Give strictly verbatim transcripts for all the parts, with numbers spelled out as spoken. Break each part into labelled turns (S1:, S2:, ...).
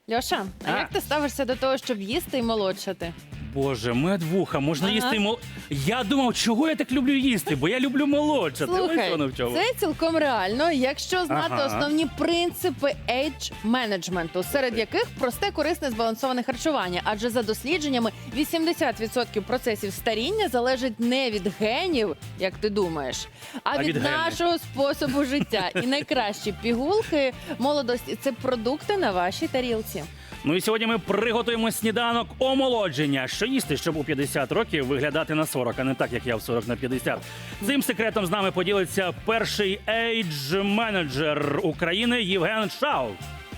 S1: Льоша, а,
S2: А.
S1: як ти ставишся до того, щоб їсти і молодшати?
S2: Боже, медвуха, можна
S1: Ага.
S2: їсти і мол... Я думав, чого я так люблю їсти, бо я люблю молодшати. Ось
S1: Слухай,
S2: воно в чому.
S1: це цілком реально, якщо знати
S2: Ага.
S1: основні принципи ейдж-менеджменту, серед яких просте, корисне, збалансоване харчування. Адже за дослідженнями вісімдесят відсотків процесів старіння залежить не від генів, як ти думаєш, а,
S2: А
S1: від,
S2: від генів.
S1: нашого способу життя. І найкращі пігулки молодості – це продукти на вашій тарілці.
S2: Ну і сьогодні ми приготуємо сніданок омолодження. Що їсти, щоб у п'ятдесят років виглядати на сорок, а не так, як я в сорок на п'ятдесят. Цим секретом з нами поділиться перший ейдж-менеджер України Євген Шау.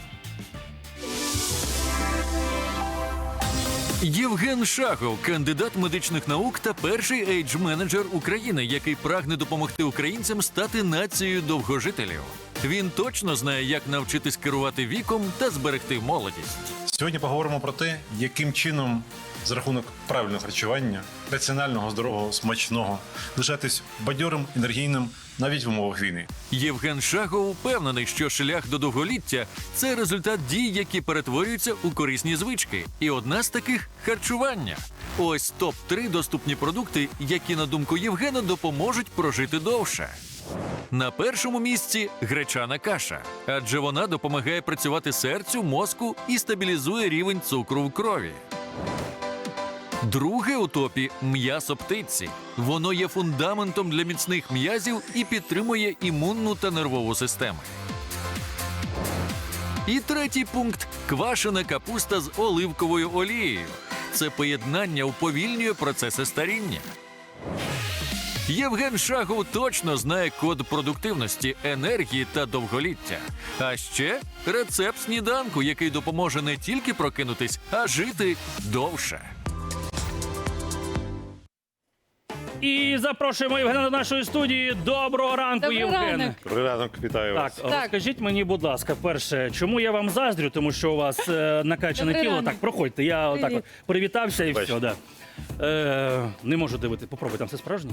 S3: Євген Шахов, кандидат медичних наук та перший ейдж-менеджер України, який прагне допомогти українцям стати нацією довгожителів. Він точно знає, як навчитись керувати віком та зберегти молодість.
S4: Сьогодні поговоримо про те, яким чином за рахунок правильного харчування, раціонального, здорового, смачного, лишатись бадьорим, енергійним навіть в умовах війни.
S3: Євген Шахов впевнений, що шлях до довголіття – це результат дій, які перетворюються у корисні звички. І одна з таких – харчування. Ось топ три доступні продукти, які, на думку Євгена, допоможуть прожити довше. На першому місці – гречана каша, адже вона допомагає працювати серцю, мозку і стабілізує рівень цукру в крові. Друге у топі – м'ясо птиці. Воно є фундаментом для міцних м'язів і підтримує імунну та нервову системи. І третій пункт – квашена капуста з оливковою олією. Це поєднання уповільнює процеси старіння. Євген Шахов точно знає код продуктивності, енергії та довголіття. А ще рецепт сніданку, який допоможе не тільки прокинутись, а жити довше.
S2: І запрошуємо Євгена до нашої студії. Доброго ранку,
S1: Добрий
S2: Євген.
S1: ранок.
S4: Добрий ранок, вітаю
S2: Так,
S4: вас.
S1: Так.
S2: розкажіть мені, будь ласка, перше, чому я вам заздрю, тому що у вас е, накачане
S1: Добрий
S2: тіло.
S1: ранок.
S2: Так, проходьте, я отак
S1: Привіт.
S2: от привітався і
S4: Бачите.
S2: все, да. Е, не можу дивити, попробуй, там все справжнє?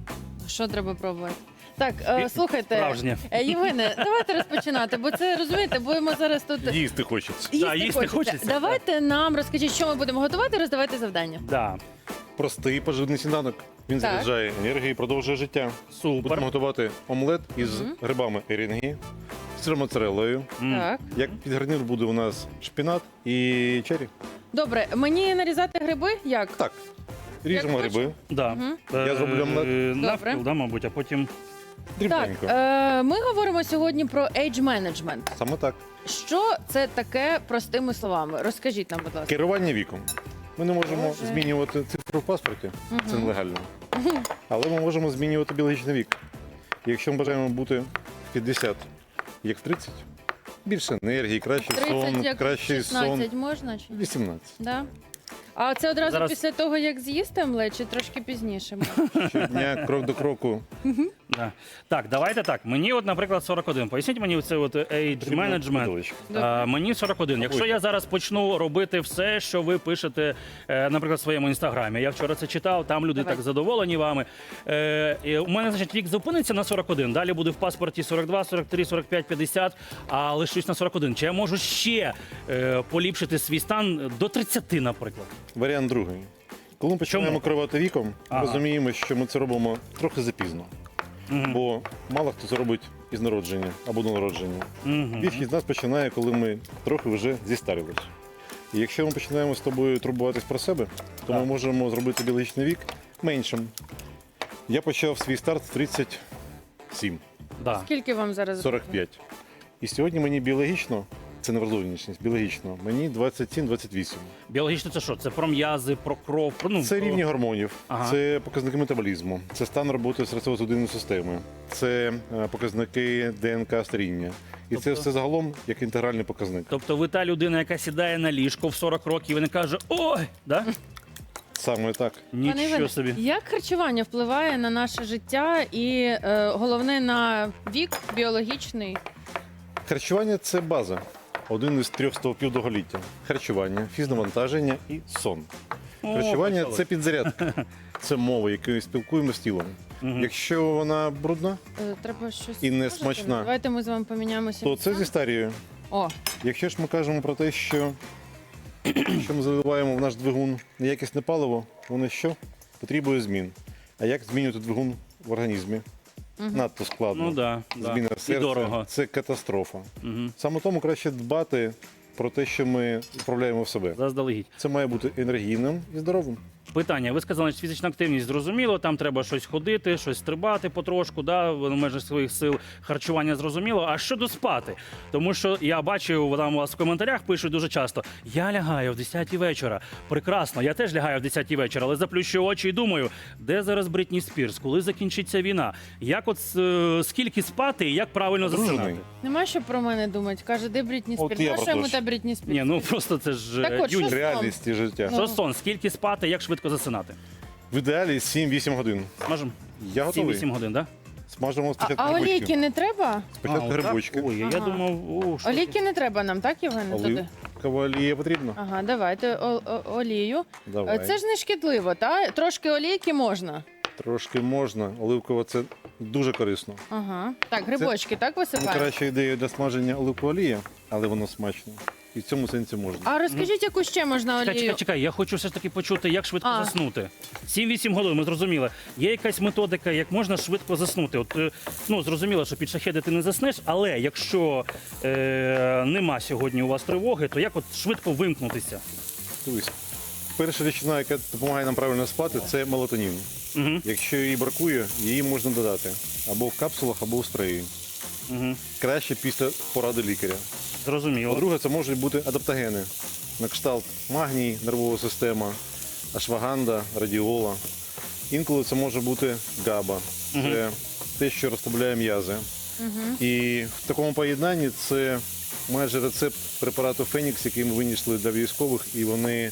S1: Що треба пробувати? Так, е, слухайте,
S2: Справжнє.
S1: е, Євгене, давайте розпочинати, бо це, розумієте, будемо зараз тут...
S4: Їсти хочеться.
S2: Да, їсти хочеться,
S1: Давайте нам розкажіть, що ми будемо готувати, роздавайте завдання.
S2: Да.
S4: Простий поживний сніданок. Він
S1: Так.
S4: заряджає енергію і продовжує життя.
S2: Супер.
S4: Будемо готувати омлет із грибами ерінгі, сиром моцареллою.
S2: М.
S1: Так.
S4: Як під гарнір буде у нас шпінат і чері.
S1: Добре, мені нарізати гриби як?
S4: Так, ріжемо
S1: Як
S4: гриби.
S2: Да.
S1: Мгм.
S4: Я зроблю омлет.
S2: Е, Навпіл,
S1: Добре.
S2: да, мабуть, а потім...
S1: Так,
S4: Дрібненько.
S1: е, ми говоримо сьогодні про ейдж-менеджмент.
S4: Саме так.
S1: Що це таке простими словами? Розкажіть нам, будь ласка.
S4: Керування віком. Ми не можемо
S1: Боже.
S4: змінювати цифру в паспорті, це
S1: Мгм.
S4: нелегально. Але ми можемо змінювати біологічний вік. І якщо ми бажаємо бути в п'ятдесят, як в тридцять, більше енергії, кращий
S1: тридцять,
S4: сон,
S1: як
S4: кращий сон.
S1: шістнадцять можна? Чи?
S4: вісімнадцять.
S1: Да? А це одразу
S2: Зараз-
S1: після того, як з'їсти омлет, чи трошки пізніше?
S4: Щодня, крок до кроку.
S2: Да. Так, давайте так. Мені, от, наприклад, сорок один. Поясніть мені це от age management.
S4: Виделочка.
S2: А, мені сорок один. Якщо я зараз почну робити все, що ви пишете, е, наприклад, в своєму інстаграмі. Я вчора це читав, там люди
S1: Давай.
S2: так задоволені вами. Е, і у мене, значить, вік зупиниться на сорок один. Далі буде в паспорті сорок два, сорок три, сорок п'ять, п'ятдесят, а лишусь на сорок один. Чи я можу ще е, поліпшити свій стан до тридцяти, наприклад?
S4: Варіант другий. Коли ми починаємо
S2: Чому?
S4: керувати віком,
S2: Ага.
S4: розуміємо, що ми це робимо трохи запізно.
S2: Мгм.
S4: Бо мало хто це робить із народження або до народження.
S2: Мгм.
S4: Більшість з нас починає, коли ми трохи вже зістарились. І якщо ми починаємо з тобою турбуватись про себе, то ми
S2: Так.
S4: можемо зробити біологічний вік меншим. Я почав свій старт в тридцять сім,
S2: Да.
S1: Скільки вам зараз?
S4: сорок п'ять. І сьогодні мені біологічно, це не вразовність, біологічно, мені двадцять сім двадцять вісім.
S2: Біологічно це що? Це про м'язи, про кров, про ну
S4: Це
S2: про-
S4: рівні гормонів,
S2: Ага.
S4: це показники метаболізму, це стан роботи серцево-судинної системи, це е, показники ДНК старіння. І це
S2: Тобто-
S4: все загалом як інтегральний показник.
S2: Тобто ви та людина, яка сідає на ліжко в сорок років і не каже ой, да?
S4: Саме так.
S1: Пане
S2: Нічого
S1: Іване,
S2: собі.
S1: як харчування впливає на наше життя і е, головне на вік біологічний?
S4: Харчування це база. Один із трьох стовпів довголіття. Харчування, фізнавантаження і сон.
S2: О,
S4: Харчування
S2: почалось.
S4: це підзарядка. Це мова, якою спілкуємося з тілом.
S2: Мгм.
S4: Якщо вона брудна,
S1: Е, Треба щось
S4: І не
S1: скажете?
S4: смачна.
S1: Давайте ми з вами поміняємося.
S4: то це
S1: місцями.
S4: зі старією.
S1: О,
S4: Якщо ж ми кажемо про те, що, що ми заливаємо в наш двигун неякісне паливо, воно що? Потребує змін. А як змінювати двигун в організмі? Надто складно.
S2: Ну да, да.
S4: Зміна
S2: І
S4: серця
S2: дорого.
S4: – це катастрофа.
S2: Угу.
S4: Саме тому краще дбати про те, що ми вправляємо в себе.
S2: Заздалегідь.
S4: Це має бути енергійним і здоровим.
S2: Питання. Ви сказали, що фізична активність зрозуміло, там треба щось ходити, щось стрибати потрошку, да, в межах своїх сил. Харчування зрозуміло. А щодо спати? Тому що я бачив, там у вас в коментарях пишуть дуже часто: я лягаю в десятій вечора. Прекрасно, я теж лягаю в десятій вечора, але заплющую очі і думаю, де зараз Бритні Спірс, коли закінчиться війна? Як от е, скільки спати і як правильно
S4: Одружений.
S2: засинати?
S1: нема що про мене думати. Каже, де Брітні
S4: От
S1: Спірс?
S4: я
S1: А
S4: про
S1: що йому
S4: те ж.
S1: та Брітні Спірс?
S2: Ні, ну просто це ж
S1: Так
S2: е,
S1: от, що
S2: юність.
S1: з-
S4: Реальність і життя.
S2: Що сон? Скільки спати, як швидко засинати?
S4: В ідеалі сім-вісім годин.
S2: Смажемо?
S4: Я готовий.
S2: сім-вісім годин, так?
S4: Смажемо
S1: А,
S4: спочатку
S1: а олійки
S4: грибочки.
S1: не треба?
S4: Спочатку грибочки.
S2: Ой, я
S1: Ага.
S2: думав, о, що
S1: Олійки не треба нам, так, Євгене, туди?
S4: Оливкова олія потрібна?
S1: Ага, давайте о- о- олію.
S4: Давай.
S1: Е, Це ж не шкідливо, та? Трошки олійки можна.
S4: Трошки можна. Оливкова це дуже корисно.
S1: Ага. Так, грибочки, так висипаємо?
S4: Найкраща ідея для смаження оливкової олії, але воно смачно. І в цьому сенсі можна.
S1: А розкажіть, яку ще можна
S2: Чекай,
S1: олію?
S2: чекай, чекай, я хочу все ж таки почути, як швидко
S1: А.
S2: заснути. сім-вісім годин, ми зрозуміли. Є якась методика, як можна швидко заснути. От, е, ну, зрозуміло, що під шахеди ти не заснеш, але якщо е, нема сьогодні у вас тривоги, то як от швидко вимкнутися?
S4: Дивись. Перша речовина, яка допомагає нам правильно спати, це мелатонін.
S2: Угу,
S4: Якщо її бракує, її можна додати або в капсулах, або в спреї.
S2: угу.
S4: Краще після поради лікаря.
S2: Зрозуміло.
S4: По-друге, це можуть бути адаптогени. На кшталт магній, нервова система, ашваганда, радіола. Інколи це може бути габа. Це те, що розслабляє м'язи. І в такому поєднанні це майже рецепт препарату Фенікс, який ми винайшли для військових, і вони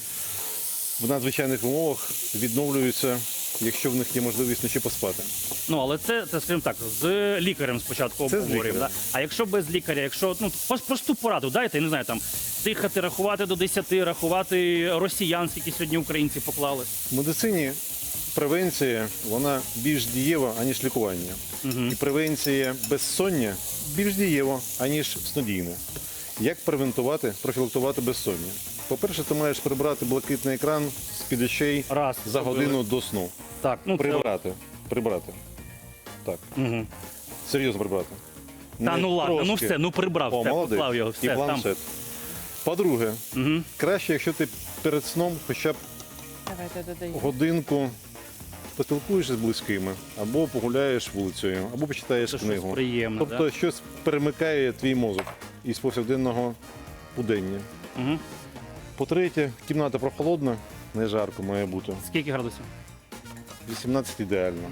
S4: в надзвичайних умовах відновлюються, якщо в них є можливість вночі поспати.
S2: Ну, але це, це, скажімо так, з лікарем спочатку
S4: Це з
S2: обговорюємо. Да?
S4: лікарем.
S2: А якщо без лікаря, якщо ну прос- просту пораду дайте, не знаю, там дихати, рахувати до десяти, рахувати росіян, скільки сьогодні українці поклали.
S4: В медицині превенція вона більш дієва, аніж лікування. І превенція безсоння більш дієва, аніж снодійне. Як превентувати, профілактувати безсоння? По-перше, ти маєш прибрати блакитний екран з-під очей
S2: Раз,
S4: за
S2: зробили.
S4: годину до сну.
S2: Так, ну це...
S4: Прибрати. Прибрати. Так,
S2: Угу.
S4: серйозно прибрати.
S2: Та
S4: Не
S2: ну ладно, ну
S4: трошки.
S2: все, ну прибрав,
S4: О,
S2: все,
S4: молодець.
S2: поклав його,
S4: І
S2: все, там.
S4: планшет. По-друге,
S2: Угу.
S4: краще, якщо ти перед сном хоча б
S1: Давайте додаємо.
S4: годинку поспілкуєшся з близькими, або погуляєш вулицею, або почитаєш
S2: Це щось
S4: книгу.
S2: приємне,
S4: Тобто
S2: да?
S4: щось перемикає твій мозок із повсякденного будення.
S2: Угу.
S4: По-третє, кімната прохолодна, не жарко має бути.
S2: Скільки градусів?
S4: вісімнадцять ідеально,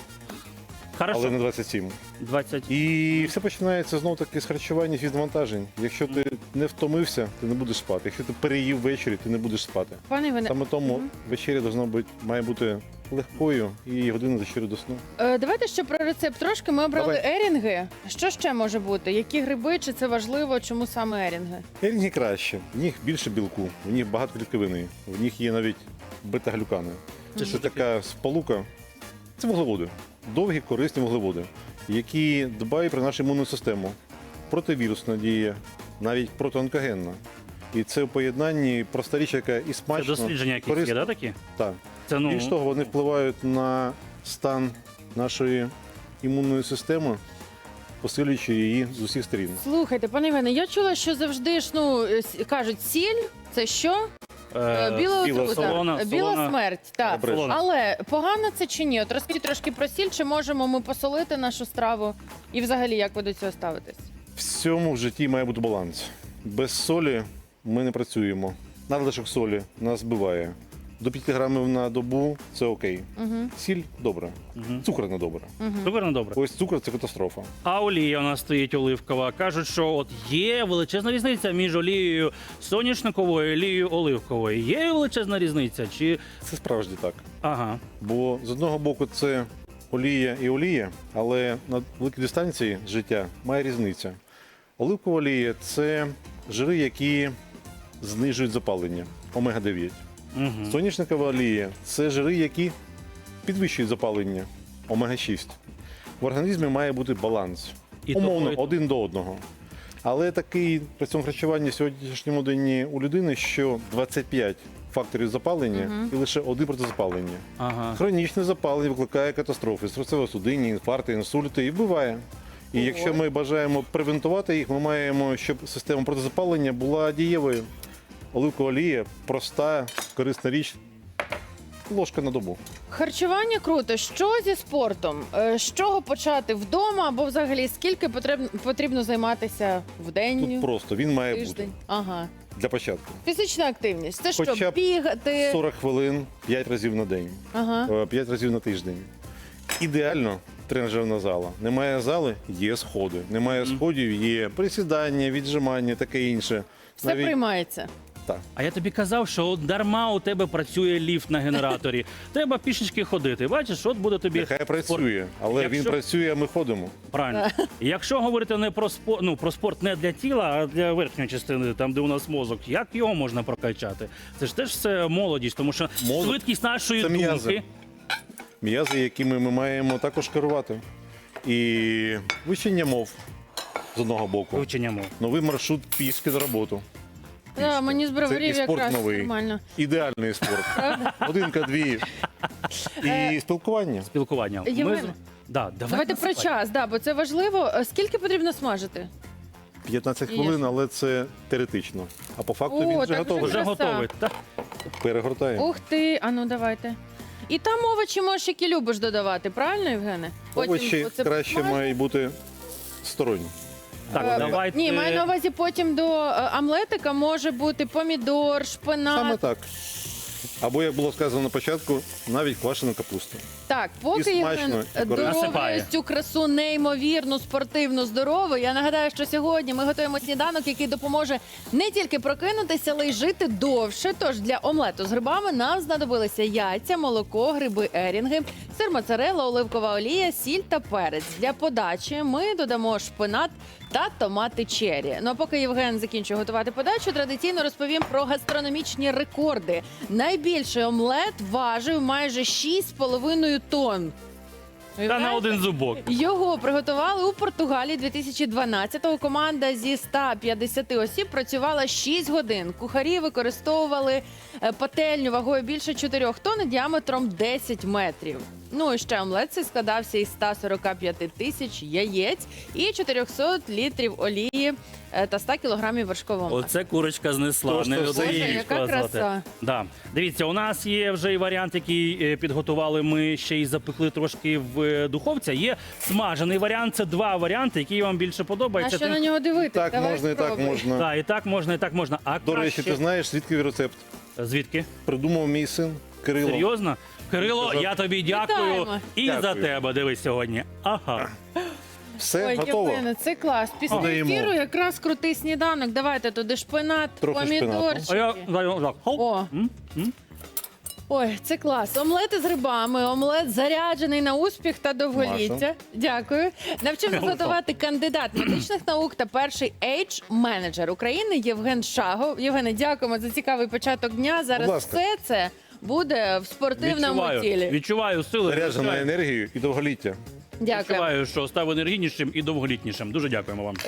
S2: Хорошо.
S4: але не двадцять сім.
S2: двадцять.
S4: І все починається знов таки з харчування і навантажень. Якщо ти не втомився, ти не будеш спати. Якщо ти переїв ввечері, ти не будеш спати.
S1: Пане Іване,
S4: Саме тому вечеря должна бути, має бути легкою і година за чотири до сну.
S1: е, давайте ще про рецепт трошки. Ми обрали
S4: Давай.
S1: ерінги. Що ще може бути? Які гриби? Чи це важливо? Чому саме ерінги?
S4: Ерінги краще, в них більше білку, в них багато клітковини, в них є навіть бета-глюкани.
S2: Це
S4: Це
S2: що таке?
S4: така сполука. Це вуглеводи. Довгі, корисні вуглеводи, які дбають про нашу імунну систему. Противірусна дія, навіть протионкогенна. І це в поєднанні проста річ, яка і
S2: Це
S4: смачно,
S2: дослідження
S4: і
S2: якісь є,
S4: корисна.
S2: да, такі?
S4: Так.
S2: Це, ну,
S4: Більш того, вони впливають на стан нашої імунної системи, посилюючи її з усіх сторін.
S1: Слухайте, пане Іване, я чула, що завжди ж ну е, с- кажуть, сіль це що? Е, Біла
S4: біла
S1: отрута.
S2: солона,
S1: Е, Біла
S2: солона.
S1: смерть. Так.
S4: Добре.
S2: Солона.
S1: Але погано це чи ні? От розкажіть трошки про сіль, чи можемо ми посолити нашу страву? І взагалі, як ви до цього ставитесь?
S4: Всьому в житті має бути баланс. Без солі ми не працюємо. Надлишок солі нас збиває. До п'яти грамів на добу це окей.
S1: Угу.
S4: Сіль добре.
S2: Мгм.
S4: Цукор не добре.
S2: Супер, ну добре.
S4: Ось цукор це катастрофа.
S2: А олія у нас стоїть оливкова. Кажуть, що от є величезна різниця між олією соняшниковою і олією оливковою. Є величезна різниця? Чи
S4: Це справді так.
S2: ага.
S4: Бо з одного боку це олія і олія, але на великій дистанції життя має різниця. Оливкова олія це жири, які знижують запалення, омега дев'ять.
S2: Угу.
S4: Соняшникова олія це жири, які підвищують запалення, омега шість. В організмі має бути баланс.
S2: І
S4: Умовно,
S2: того, і-
S4: один до одного. Але такий раціон харчування в сьогоднішньому дні у людини, що двадцять п'ять факторів запалення і лише один проти запалення.
S2: Ага.
S4: Хронічне запалення викликає катастрофи, серцево-судинні, інфаркти, інсульти і вбиває. І якщо ми бажаємо превентувати їх, ми маємо, щоб система протизапалення була дієвою. Оливкова олія – проста, корисна річ, ложка на добу.
S1: Харчування круто. Що зі спортом? Е, З чого почати вдома або взагалі скільки потрібно, потрібно займатися в день,
S4: Тут просто, він має
S1: тиждень?
S4: бути
S1: Ага.
S4: для початку.
S1: Фізична активність. Це
S4: Хоча
S1: що,
S4: б
S1: бігати?
S4: сорок хвилин, п'ять разів на день,
S1: Ага.
S4: е, п'ять разів на тиждень. Ідеально тренажерна зала. Немає зали – є сходи. Немає сходів – є присідання, віджимання, таке інше.
S1: Все приймається.
S4: Так.
S2: А я тобі казав, що от дарма у тебе працює ліфт на генераторі. Треба пішечки ходити. Бачиш, от буде тобі
S4: Нехай
S2: спорт.
S4: працює, але
S2: Якщо-
S4: він працює, а ми ходимо.
S2: Правильно. Якщо говорити не про спорт, ну про спорт не для тіла, а для верхньої частини, там де у нас мозок, як його можна прокачати? Це ж теж все молодість, тому що
S4: Мозок
S2: швидкість нашої
S4: це
S2: думки.
S4: м'язи. М'язи, якими ми маємо також керувати. І вивчення мов з одного боку.
S2: Вивчення мов.
S4: Новий маршрут пішки на роботу.
S1: Да, мені з
S4: Це
S1: броварів
S4: і спорт
S1: якраз
S4: новий.
S1: нормально.
S4: Ідеальний спорт. Годинка-дві. І спілкування.
S2: Спілкування.
S1: Євгене,
S2: з- Да, давай
S1: Давайте про
S2: насипай.
S1: час, да, бо це важливо. Е, Скільки потрібно смажити?
S4: п'ятнадцять
S1: Є.
S4: хвилин, але це теоретично. А по факту
S1: О,
S4: він вже
S1: так
S4: готовий.
S2: Вже
S1: Краса.
S2: готовий. Так.
S4: Перегортаємо.
S1: Ух ти, а ну давайте. І там овочі можеш, які любиш додавати, правильно, Євгене?
S4: Овочі
S1: оце
S4: краще
S1: посмажиш.
S4: мають бути сторонні.
S2: Так,
S1: Е,
S2: давайте.
S1: Ні, маю на увазі потім до е, омлетика може бути помідор, шпинат.
S4: Саме так. Або, як було сказано на початку, навіть квашена капуста.
S1: Так,
S4: І
S1: поки
S4: смачно,
S1: Євген
S4: і корисно.
S1: доробляє
S2: Насипає.
S1: цю красу неймовірну, спортивну, здорову. Я нагадаю, що сьогодні ми готуємо сніданок, який допоможе не тільки прокинутися, але й жити довше. Тож для омлету з грибами нам знадобилися яйця, молоко, гриби ерінги, сир моцарелла, оливкова олія, сіль та перець. Для подачі ми додамо шпинат та томати чері. Ну а поки Євген закінчує готувати подачу, традиційно розповім про гастрономічні рекорди. Найбільший омлет важив майже шість з половиною тонн.
S2: Та на один зубок.
S1: Його приготували у Португалії дві тисячі дванадцятого. Команда зі ста п'ятдесяти осіб працювала шість годин. Кухарі використовували е, пательню вагою більше чотирьох тонн і діаметром десять метрів. Ну і ще омлет цей складався із ста сорока п'яти тисяч яєць і чотирьохсот літрів олії е, та ста кілограмів вершкового масла.
S2: Оце курочка знесла.
S4: То, що
S2: не
S4: все
S2: одну
S4: є.
S2: їй
S1: Яка
S2: сказати.
S1: краса.
S2: Да. Дивіться, у нас є вже і варіант, який е, підготували ми ще й запекли трошки в е, духовці. Є смажений варіант. Це два варіанти, які вам більше
S1: А
S2: подобаються.
S1: що
S2: Тим-
S1: на нього дивитися?
S4: Так можна, і так можна.
S2: Так, і так можна, і так можна. А
S4: До речі,
S2: краще-
S4: ти знаєш, звідки рецепт?
S2: Звідки?
S4: Придумав мій син Кирило.
S2: Серйозно? Кирило,
S4: Сказав-
S2: я тобі дякую
S1: Вітаємо.
S2: і
S4: Дякую.
S2: за тебе. Дивись сьогодні. Ага.
S4: Все
S1: Ой,
S4: готово.
S1: Євгене, це клас. Після
S4: Додаємо.
S1: ефіру якраз крутий сніданок. Давайте туди шпинат,
S4: Трохи
S1: помідорчики.
S2: А я даю так. Хоп.
S1: О.
S2: М? М?
S1: Ой, це клас. Омлети з грибами, омлет заряджений на успіх та довголіття.
S4: Маша.
S1: Дякую. Навчив нас готувати кандидат медичних наук та перший ейдж менеджер України Євген Шагов. Євгене, дякуємо за цікавий початок дня. Зараз
S4: Будь ласка.
S1: все це буде в спортивному
S2: Відчуваю,
S1: тілі.
S2: відчуваю сили.
S4: Заряджена
S2: відчуваю-
S4: енергією і довголіття.
S1: Дякую.
S2: Відчуваю, що став енергійнішим і довголітнішим. Дуже дякуємо вам.